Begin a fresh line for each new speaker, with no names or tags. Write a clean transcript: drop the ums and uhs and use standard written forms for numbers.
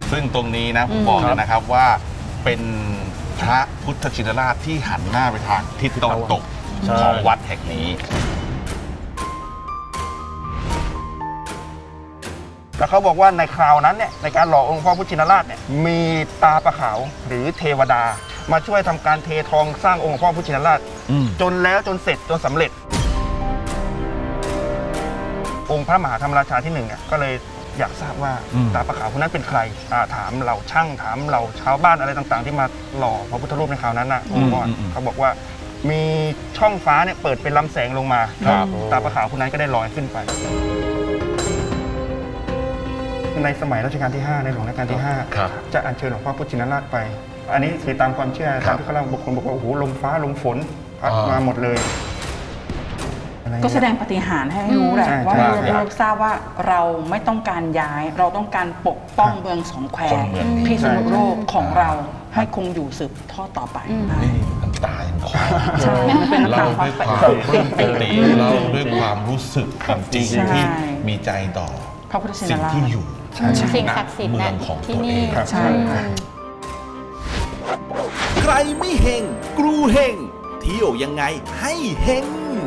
ซึ่งตรงนี้นะผมบอกเลยนะครับว่าเป็นพระพุทธชินราชที่หันหน้าไปทางทิศตะวันตกของวัดแห่งนี้
แล้วเขาบอกว่าในคราวนั้นเนี่ยในการหล่อองค์พ่อพุทธชินราชเนี่ยมีตาปะขาวหรือเทวดา มาช่วยทำการเททองสร้างองค์พ่อพุทธชินราชจนแล้วจนเสร็จจนสำเร็จ องค์พระมหาธรรมราชาที่หนึ่งเนี่ยก็เลยอยากทราบว่าตาปะขาวคนนั้นเป็นใครถามเหล่าช่างถามเหล่าชาวบ้านอะไรต่างๆ ที่มาหล่อพระพุทธรูปในคราวนั้นนะเขาบอกว่ามีช่องฟ้าเนี่ยเปิดเป็นลำแสงลงมาตาปะขาวคนนั้นก็ได้ลอยขึ้นไปในสมัยรัชกาลที่ 5 ในหลวงรัชกาลที่ 5 จะอัญเชิญหลวงพ่อพุทธชินราชไป อันนี้คือตามความเชื่อตามที่เขาเล่าบางคนบอกว่าโอ้โหลมฟ้าลมฝนพัดมาหมดเลย
ก็แสดงปาฏิหาริย์ให้รู้แหละว่าเราทราบว่าเราไม่ต้องการย้ายเราต้องการปกป้องเมืองสองแควพิษณุโลกของเราให้คงอยู่สืบทอดต่อไป
นี่น้ำตายังคลอ
ใช่มันเป็นน้ำตาความ
ปิติเล่าด้วยความรู้สึกจริงที่มีใจต่อ
พระพุทธชิน
สิ่ง
ราช
ที่อยู่
สิ่งศักดิ์สิทธิ์
เมื
นั้
อง
น
ของ
ที่
ตัวเอ
นี่
ง
ใช่
ใครไม่เฮงกรูเฮงเที่ยวยังไงให้เฮง